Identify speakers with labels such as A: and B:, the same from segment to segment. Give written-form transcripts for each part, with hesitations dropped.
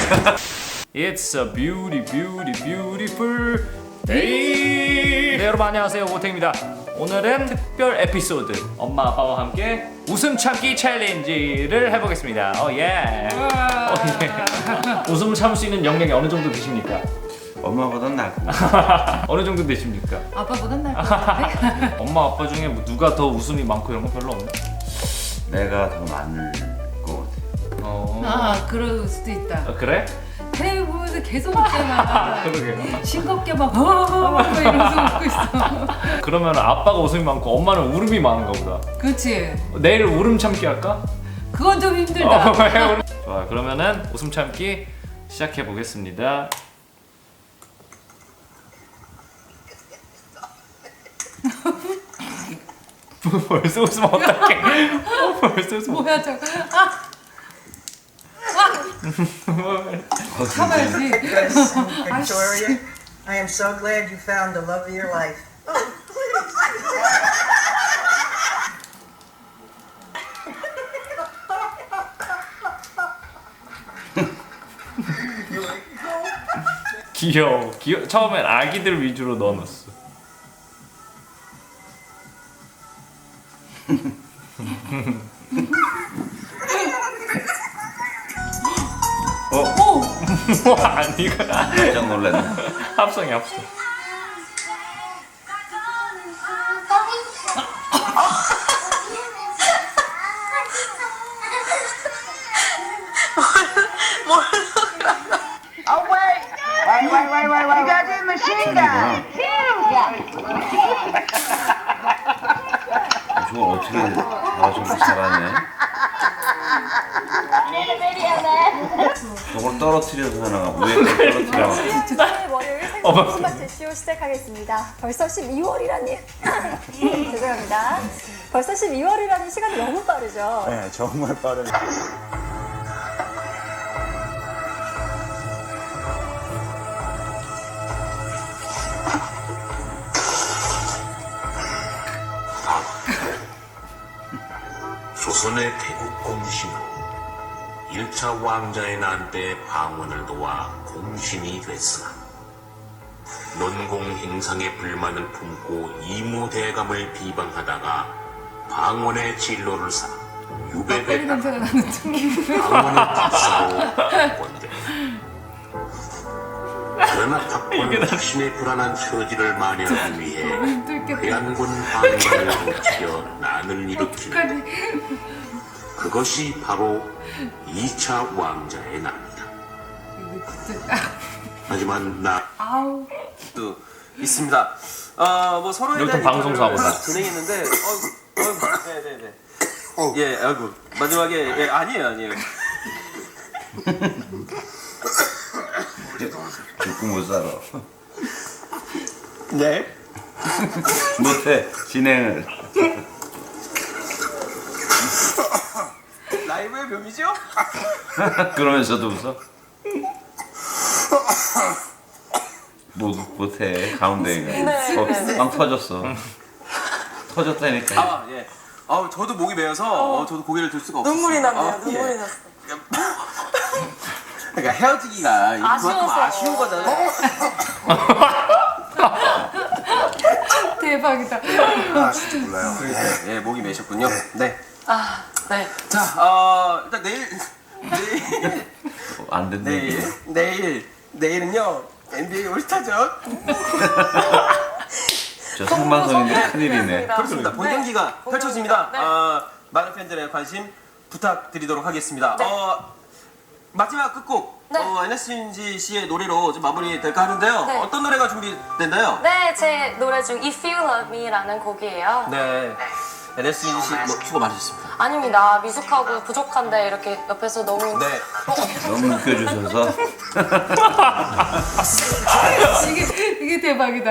A: It's a beautiful day. 네, 여러분 안녕하세요. 오탱입니다. 오늘은 특별 에피소드 엄마 아빠와 함께 웃음 참기 챌린지를 해보겠습니다. 예. 웃음을 참을 수 있는 역량이 어느 정도 되십니까?
B: 엄마보단 낫고.
A: 어느 정도 되십니까?
C: 아빠보단 나을 것 같은데?
A: 엄마 아빠 중에 뭐 누가 더 웃음이 많고 이런 거 별로 없네.
B: 내가 더 많을 것 같아.
C: 그럴 수도 있다.
A: 그래?
C: 텔레비 보면서 계속 웃잖아.
A: 그러게.
C: 싱겁게 막 이러면서 웃고 있어.
A: 그러면 아빠가 웃음이 많고 엄마는 울음이 많은가 보다.
C: 그렇지.
A: 내일 울음 참기 할까?
C: 그건 좀 힘들다.
A: 좋아, 그러면은 웃음 참기 시작해 보겠습니다. 벌써 웃으면 어떡해? 벌써 웃으면
C: 뭐야 저거. 참아야지.
D: Victoria, I am so glad you found the love of your life.
A: 귀여워. 처음엔 아기들 위주로 넣어놨어. 뭐 아니가?
B: 깜짝 놀랐네.
A: 합성이 합성.
D: Oh, wait. Wait. You got this machine gun.
B: 저걸 어떻게 저렇게 잘하네. 저걸 떨어뜨려서 하나 위에 떨어뜨려.
E: 월요일 생선 제시오 시작하겠습니다. 벌써 12월이라니 죄송합니다. 벌써 12월이라니 시간이 너무 빠르죠.
F: 네, 정말 빠르네.
G: 조선의 태국 공신은 1차 왕자의 난 때 방언을 도와 공신이 됐으나 논공 행상에 불만을 품고 이무대감을 비방하다가 방언의 진로를 삼아 유배배
C: 냄새가 나는 중.
G: 방언을 박사로 바꿨대. 그러나 박권은 자신의 불안한 처지를 만회하기 위해 회안군 방관을 고치려 난을 일으키는데 그것이 바로 2차 왕자의 난이다. 하지만
C: 아우.
H: 또 있습니다. 뭐 서로에
A: 여기서
H: 대한
A: 방송사고다.
H: 인터뷰를 진행했는데, 네네네. 예, 아이고 마지막에 예, 아니에요.
B: 죽고 못 살아.
H: 네.
B: 못해 진행을.
H: 라이브의 묘미죠?
B: 그러면서도 웃어? 못해 가운데가 빵 터졌어. 터졌다니까.
H: 아 예. 저도 목이 메어서 저도 고개를 들 수가 없어요.
I: 눈물이 났네요. 눈물이 났어.
H: 그러니까 헤어지기가 그만큼 아쉬운 거잖아요.
C: 대박이다.
F: 몰라요.
H: 예, 목이 메셨군요. 네.
I: 네.
H: 자, 일단 내일
B: 안 된대.
H: 내일은요 NBA 올스타전.
B: 저 생방송인데 큰일이네.
H: 그렇습니다. 본 경기가 펼쳐집니다. 많은 팬들의 관심 부탁드리도록 하겠습니다. 마지막 끝곡 NSG 씨의 노래로 좀 마무리 될까 하는데요.
I: 네.
H: 어떤 노래가 준비됐나요?
I: 네, 제 노래 중 If You Love Me라는 곡이에요.
H: 네. NSG 씨 수고 많으셨습니다.
I: 아닙니다. 미숙하고 부족한데 이렇게 옆에서 너무
H: 네.
B: 너무 웃겨주셔서.
C: 이게 대박이다.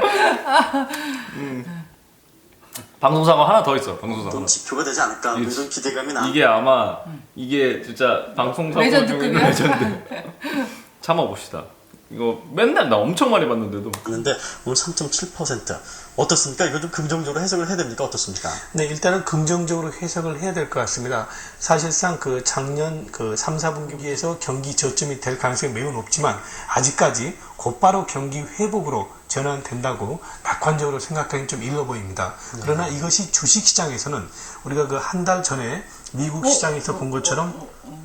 A: 방송사고 하나 더 있어. 방송사고.
F: 지표가 되지 않을까? 이런 기대감이 나.
A: 이게 아마 이게 진짜 방송사고 중에
C: 레전드급이야?
A: 레전드. 참아봅시다. 이거 맨날 나 엄청 많이 봤는데도.
J: 그런데 오늘 3.7% 어떻습니까? 이거 좀 긍정적으로 해석을 해야 됩니까? 어떻습니까?
K: 네, 일단은 긍정적으로 해석을 해야 될 것 같습니다. 사실상 그 작년 그 3, 4분기에서 경기 저점이 될 가능성이 매우 높지만 아직까지 곧바로 경기 회복으로 전환된다고 낙관적으로 생각하기는 좀 일러 보입니다. 그러나 이것이 주식시장에서는 우리가 그 한 달 전에 미국 시장에서 본 것처럼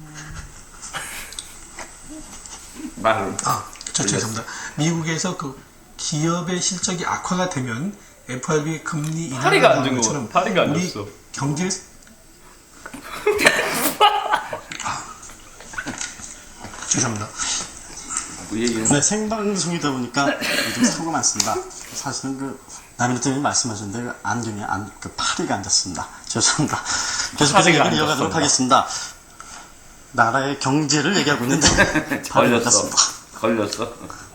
K: 죄송합니다. 미국에서 그 기업의 실적이 악화가 되면 FRB 금리 인하가
A: 파리가 안
K: 나오는
A: 준
K: 것처럼
A: 거. 파리가 안
K: 우리
A: 줬어.
K: 경제 죄송합니다.
J: 네, 생방송이다 보니까 좀 사고가 많습니다. 사실은 그 남일대님이 말씀하셨는데 그 안경에 그 파리가 앉았습니다. 죄송합니다. 계속해서
A: 파리가
J: 얘기를 이어가도록 하겠습니다. 나라의 경제를 얘기하고 있는데
B: 걸렸어. 걸렸어.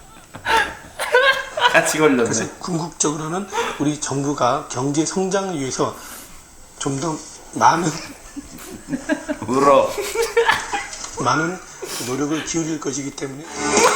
B: 같이 걸렸네.
K: 그래서 궁극적으로는 우리 정부가 경제 성장을 위해서 좀 더 많은
B: 울어.
K: 노력을 기울일 것이기 때문에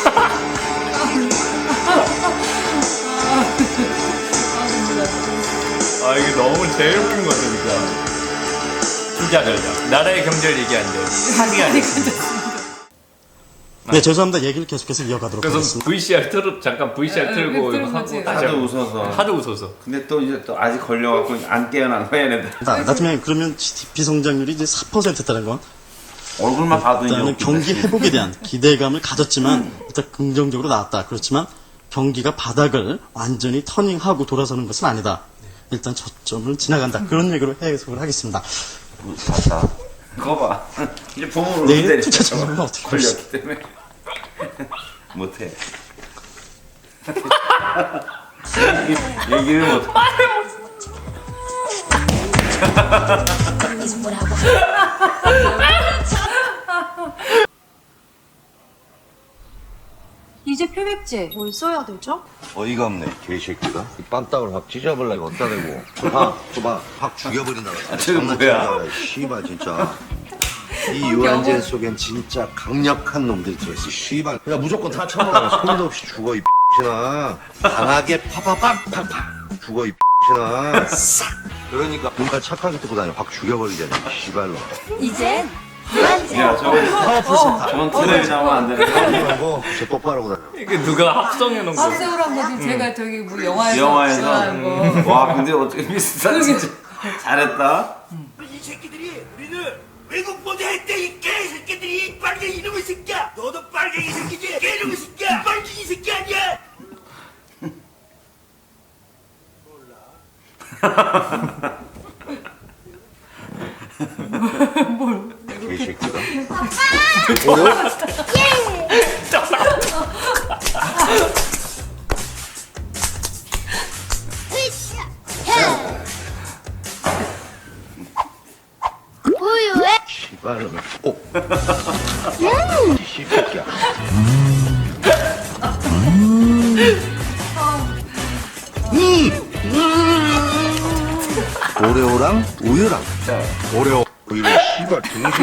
A: 아 이게 너무 제일 웃긴 거 같으니까. 투자 전략. 나라의 경제를 얘기하는데 파리가 아니야.
J: 네, 죄송합니다. 얘기를 계속해서 이어가도록
A: 그래서
J: 하겠습니다.
A: VCR 잠깐 VCR 틀고
C: 틀은
A: 이거
C: 거지.
A: 하고 다시
B: 하도
A: 하고.
B: 웃어서.
A: 하도 웃어서.
B: 근데 또 이제 또 아직 걸려갖고 안 깨어난 거야 얘네들.
J: 나중에 그러면 GDP 성장률이 이제 4%다는 건
B: 얼굴만 봐도 이제
J: 일단은
B: 웃기네.
J: 경기 회복에 대한 기대감을 가졌지만 일단 긍정적으로 나왔다. 그렇지만 경기가 바닥을 완전히 터닝하고 돌아서는 것은 아니다. 일단 저점을 지나간다. 그런 얘기로 해석을 하겠습니다.
B: 봤다. 그거 봐. 이제 봄으로
J: 내일
B: 때리니까
J: 투자 전략은 어떻게
B: 걸렸기 때문에 못해. 얘기를 못해.
C: 이제 표백제 뭘 써야 되죠?
F: 어이가 없네 개새끼가 이 빰딱을 확 찢어버려 이거 어디다 대고 줘봐 확 죽여버린다
B: 저거 뭐야?
F: 씨발 진짜 이 유한젠 속엔 진짜 강력한 놈들이 들어있어 씨발 그냥 무조건 다 쳐먹어 소리도 없이 죽어 이 X나 강하게 파파팍팍팍 죽어 이 X나 그러니까 뭔가 착하게 듣고 다녀 확 죽여버리잖아 씨발로
E: 이젠
B: 야 저건 트레이 나오면 안 되는 거.
F: 하고 제 똑바로 다녀
A: 이게 누가 합성해 놓은 거.
C: 합성을 한 거지. 제가 저기 뭐 영화에서
B: 영화에서
C: 한 거.
B: 와 근데 어떻게 비슷하지? 진짜 잘했다.
L: 이 새끼들이 우리는 외국 모델했대 이 개새끼들이 빨갱이 이놈의 새끼야 너도 빨갱이 새끼지 개놈의 새끼야 빨갱이 새끼 아니야
F: 개새끼가 씨발로 꼭 씨새끼야 오레오랑 우유랑 오레오 우유 씨발 등신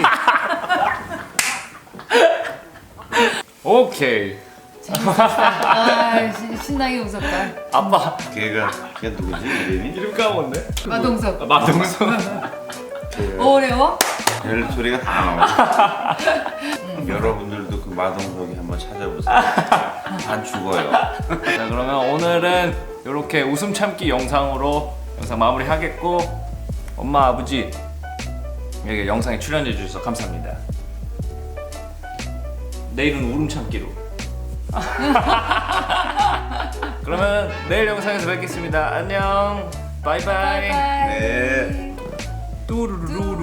A: 오케이.
C: 아, 신나게 웃었다.
A: 아빠
B: 걔가 누구지 이름이?
A: 이름 까먹었네.
C: 마동석.
A: 마동석.
C: 어려워?
B: 별 소리가 다 나와. 여러분들도 그 마동석이 한번 찾아보세요. 안 죽어요.
A: 자 그러면 오늘은 이렇게 웃음 참기 영상으로 영상 마무리하겠고 엄마 아버지 여기 영상에 출연해 주셔서 감사합니다. 내일은 울음 참기로. 그러면 내일 영상에서 뵙겠습니다. 안녕. 바이바이.
B: 네.
A: 뚜루루루.